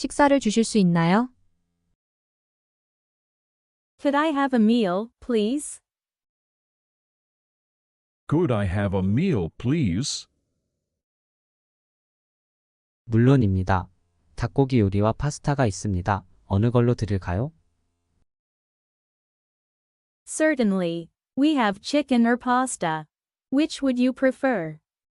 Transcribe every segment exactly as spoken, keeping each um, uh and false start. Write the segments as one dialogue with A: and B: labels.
A: 식사를 주실 수 있나요?
B: Could I have a meal, please?
C: Could I have a meal, please?
D: 물론입니다. 닭고기 요리와 파스타가 있습니다. 어느 걸로 드릴까요?
B: Certainly. We have chicken or pasta. Which would you prefer?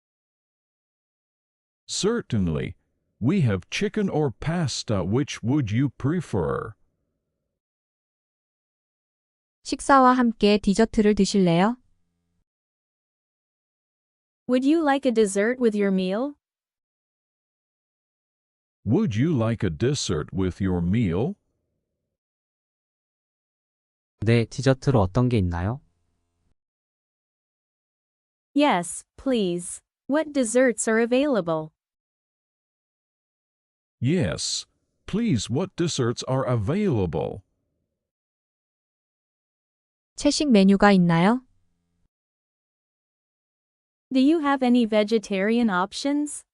C: Certainly. We have chicken or pasta. Which would you prefer?
A: 식사와 함께 디저트를 드실래요?
B: Would you like a dessert with your meal?
C: Would you like a dessert with your meal?
D: 네, 디저트로 어떤 게 있나요?
B: Yes, please. What desserts are available?
C: Yes. Please, what desserts are available?
A: 채식 메뉴가 있나요?
B: Do you have any vegetarian options?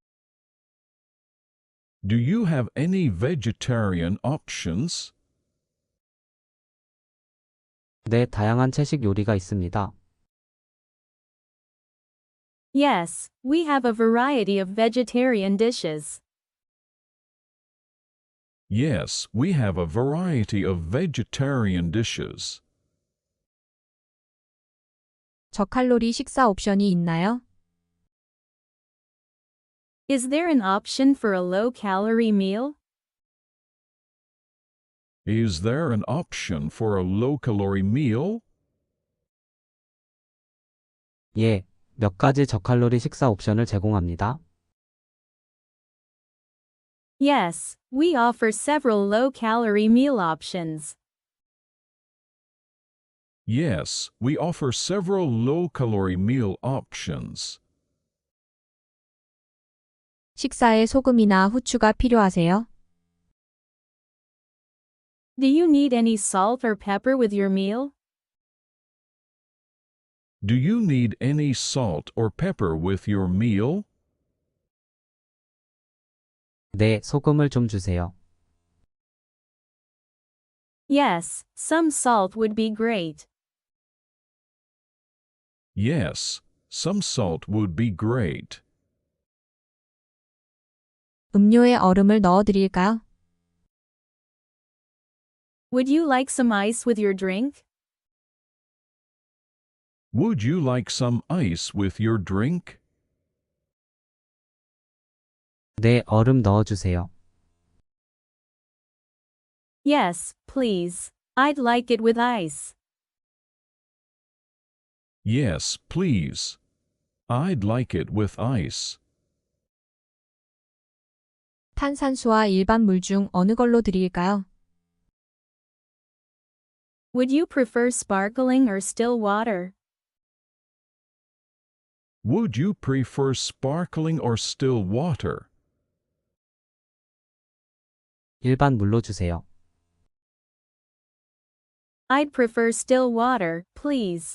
C: Do you have any vegetarian options?
D: 네, 다양한 채식 요리가 있습니다.
B: Yes, we have a variety of vegetarian dishes.
C: Yes, we have a variety of vegetarian dishes.
A: 저칼로리 식사 옵션이 있나요?
B: Is there an option for a low-calorie meal?
C: Is there an option for a low-calorie meal?
D: 예, 몇 가지 저칼로리 식사 옵션을 제공합니다.
B: Yes, we offer several low-calorie meal options.
C: Yes, we offer several low-calorie meal options.
A: 식사에 소금이나 후추가 필요하세요?
B: Do you need any salt or pepper with your meal?
C: Do you need any salt or pepper with your meal?
D: 네, 소금을 좀 주세요.
B: Yes, some salt would be great.
C: Yes, some salt would be great.
A: 음료에 얼음을 넣어 드릴까요?
B: Would you like some ice with your drink?
C: Would you like some ice with your drink?
D: 네, 얼음 넣어 주세요.
B: Yes, please. I'd like it with ice.
C: Yes, please. I'd like it with ice.
A: 탄산수와 일반 물 중 어느 걸로 드릴까요?
B: Would you prefer sparkling or still water?
C: Would you prefer sparkling or still water?
D: 일반 물로 주세요.
B: I'd prefer still water, please.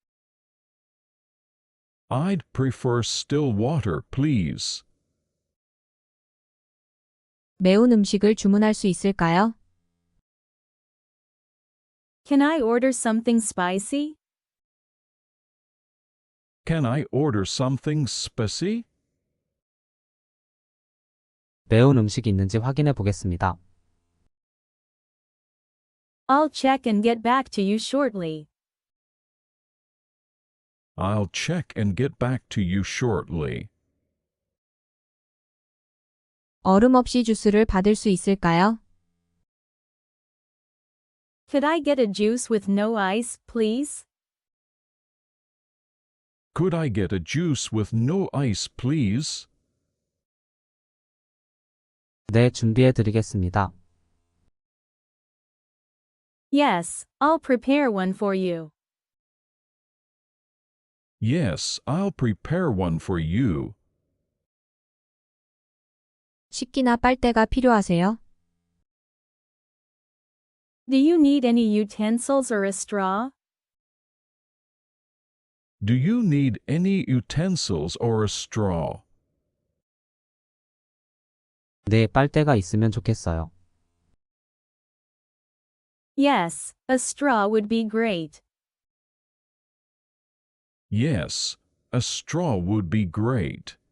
C: I'd prefer still water, please.
A: 매운 음식을 주문할 수 있을까요?
B: Can I order something spicy?
C: Can I order something spicy?
D: 매운 음식이 있는지 확인해 보겠습니다.
B: I'll check and get back to you shortly.
C: I'll check and get back to you shortly.
A: 얼음 없이 주스를 받을 수 있을까요?
B: Could I get a juice with no ice, please?
C: Could I get a juice with no ice, please?
D: 네, 준비해 드리겠습니다.
B: Yes, I'll prepare one for you.
C: Yes, I'll prepare one for you.
A: 식기나 빨대가 필요하세요?
B: Do you need any utensils or a straw?
C: Do you need any utensils or a straw?
D: 네, 빨대가 있으면 좋겠어요.
B: Yes, a straw would be great.
C: Yes, a straw would be great.